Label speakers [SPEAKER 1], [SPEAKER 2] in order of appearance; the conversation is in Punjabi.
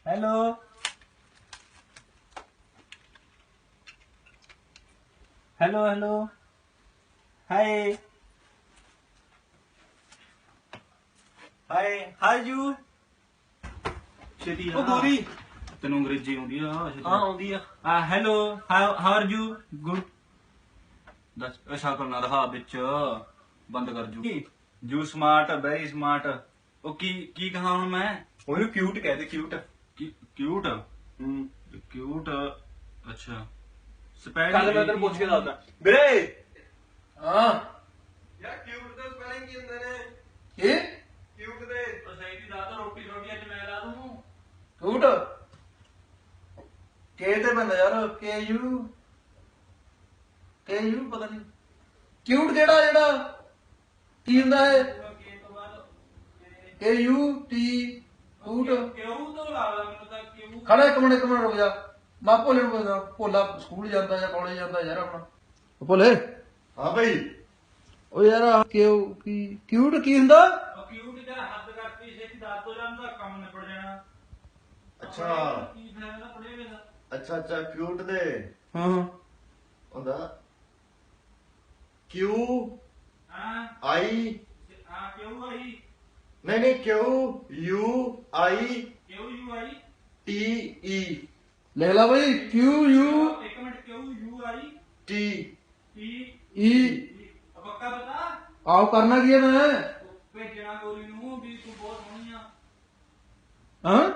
[SPEAKER 1] Hello hello hello hi hi hi you ਛੇਤੀ
[SPEAKER 2] ਉਹ ਗੋਰੀ ਤੈਨੂੰ ਅੰਗਰੇਜ਼ੀ ਆਉਂਦੀ ਆ?
[SPEAKER 1] ਹਾਂ ਆਉਂਦੀ ਆ hello how are you good
[SPEAKER 2] ਦੱਸ ਸ਼ਕਲ ਨਾ ਰਹਾ ਵਿੱਚ ਬੰਦ ਕਰ ਜੂ ਜੂ ਸਮਾਰਟ ਵੈਰੀ ਸਮਾਰਟ। ਉਹ ਕੀ ਕੀ ਕਹਾ ਹੁਣ ਮੈਂ?
[SPEAKER 1] ਉਹਨੂੰ ਕਿਊਟ ਕਹਦੇ ਕਿਊਟ
[SPEAKER 2] ਕਿਊਟ ਕਿਊਟ ਅੱਛਾ
[SPEAKER 1] ਕੱਲ ਮੈਂ ਤੈਨੂੰ ਪੁੱਛ ਕੇ ਦੱਸਦਾ ਵੀਰੇ ਹਾਂ
[SPEAKER 3] ਯਾਰ ਕਿਊਟ ਦਾ ਸਪੈਲਿੰਗ ਕੀ ਹੁੰਦੇ ਨੇ?
[SPEAKER 1] ਕੀ
[SPEAKER 3] ਕਿਊਟ ਦੇ
[SPEAKER 2] ਸਹੀ ਦੀ ਦਾਦਾ ਰੋਟੀ ਰੋਟੀ ਅੱਜ ਮੈਂ ਲਾ ਦੂੰ।
[SPEAKER 1] ਕਿਊਟ ਕੇ ਤੇ ਬੰਦਾ ਯਾਰ ਕੇ ਯੂ ਪਤਾ ਨਹੀਂ ਕਿਊਟ ਜਿਹੜਾ ਕੀ ਹੁੰਦਾ ਹੈ ਕੇ ਯੂ ਟੀ ਕਿਊਟ
[SPEAKER 2] ਕਿਉਂ ਤੋਂ ਲੱਗਦਾ ਮੈਨੂੰ ਤਾਂ ਕਿਉਂ
[SPEAKER 1] ਖੜਾ ਇੱਕ ਮਿੰਟ ਰੁਕ ਜਾ ਮੈਂ ਭੋਲੇ ਨੂੰ ਪੁੱਛਦਾ ਭੋਲਾ ਸਕੂਲ ਜਾਂਦਾ ਜਾਂ ਕਾਲਜ ਜਾਂਦਾ ਯਾਰ ਆਪਣਾ ਭੋਲੇ
[SPEAKER 3] ਹਾਂ ਭਾਈ
[SPEAKER 1] ਉਹ ਯਾਰ ਕਿਊਟ ਕੀ ਹੁੰਦਾ
[SPEAKER 2] ਕਿਊਟ ਜਿਹੜਾ ਹੱਦ ਕਰਤੀ ਛੇਤੀ ਦੱਸ ਤੋਂ ਜਾਂਦਾ ਕੰਮ ਨਿਬੜ ਜਾਣਾ।
[SPEAKER 3] ਅੱਛਾ
[SPEAKER 2] ਕੀ ਫਾਇਦਾ ਪੜੇ ਵੇ ਦਾ?
[SPEAKER 3] ਅੱਛਾ ਅੱਛਾ ਕਿਊਟ ਦੇ
[SPEAKER 1] ਹਾਂ
[SPEAKER 3] ਹੁੰਦਾ ਕਿਊ
[SPEAKER 2] ਹਾਂ
[SPEAKER 3] ਆਈ
[SPEAKER 2] ਹਾਂ ਕਿਉਂ ਆਈ
[SPEAKER 3] ਨਹੀਂ ਨਹੀਂ ਕਿਊ ਯੂ ਆਈ
[SPEAKER 2] ਕਿਉਂ ਯੂ ਆਈ
[SPEAKER 3] ਟੀ ਈ
[SPEAKER 1] ਲਿਖ ਲਾ ਬਈ ਕਿਊ ਯੂ
[SPEAKER 2] ਇੱਕ ਮਿੰਟ ਕਿਉਂ U I
[SPEAKER 3] T
[SPEAKER 2] T
[SPEAKER 1] E
[SPEAKER 2] ਪੱਕਾ ਪਤਾ
[SPEAKER 1] ਆਓ ਕਰਨਾ ਕੀ ਹੈ ਮੈਂ
[SPEAKER 2] ਭੇਜਣਾ ਗੋਰੀ ਨੂੰ ਵੀ ਤੂੰ ਬਹੁਤ ਸੋਹਣੀ ਆ।
[SPEAKER 1] ਹਾਂ